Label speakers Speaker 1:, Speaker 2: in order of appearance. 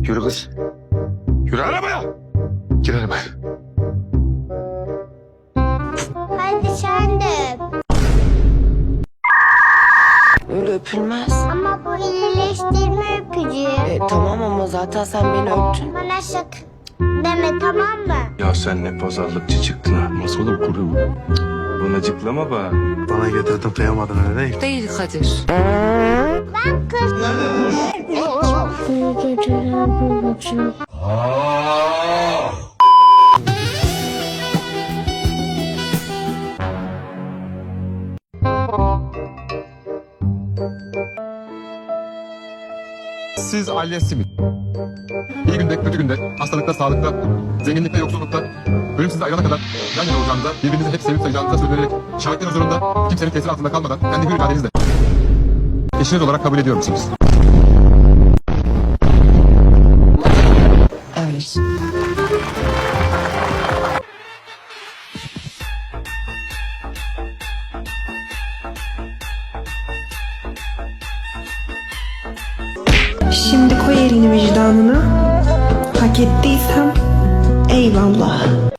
Speaker 1: Yürü kız. Yürü arabaya. Gir arabaya.
Speaker 2: Hadi sen de öp.
Speaker 3: Öyle öpülmez.
Speaker 2: Ama bu iyileştirme öpücüğü.
Speaker 3: Tamam ama zaten sen beni öptün.
Speaker 2: Bana şak deme, tamam mı?
Speaker 1: Ya sen ne pazarlıkçı çıktın ha. Nasıl olur kurum? Bana cıklama bak.
Speaker 4: Bana getirdin kıyamadın öyle değil.
Speaker 3: Değil Kadir.
Speaker 2: Ben kız. İyi geceler babacığım.
Speaker 5: Siz Aliye Simit. İyi günde, kötü günde, hastalıkta, sağlıkta, zenginlikte, yoksullukta, ölüm sizi ayırana kadar yan yana olacağınıza, birbirinizi hep sevip sayacağınıza söz vererek, şahitler huzurunda kimsenin tesiri altında kalmadan kendi hür iradenizle eşiniz olarak kabul ediyor musunuz?
Speaker 3: Evet.
Speaker 6: Şimdi koy elini vicdanına. Hak ettiysem eyvallah.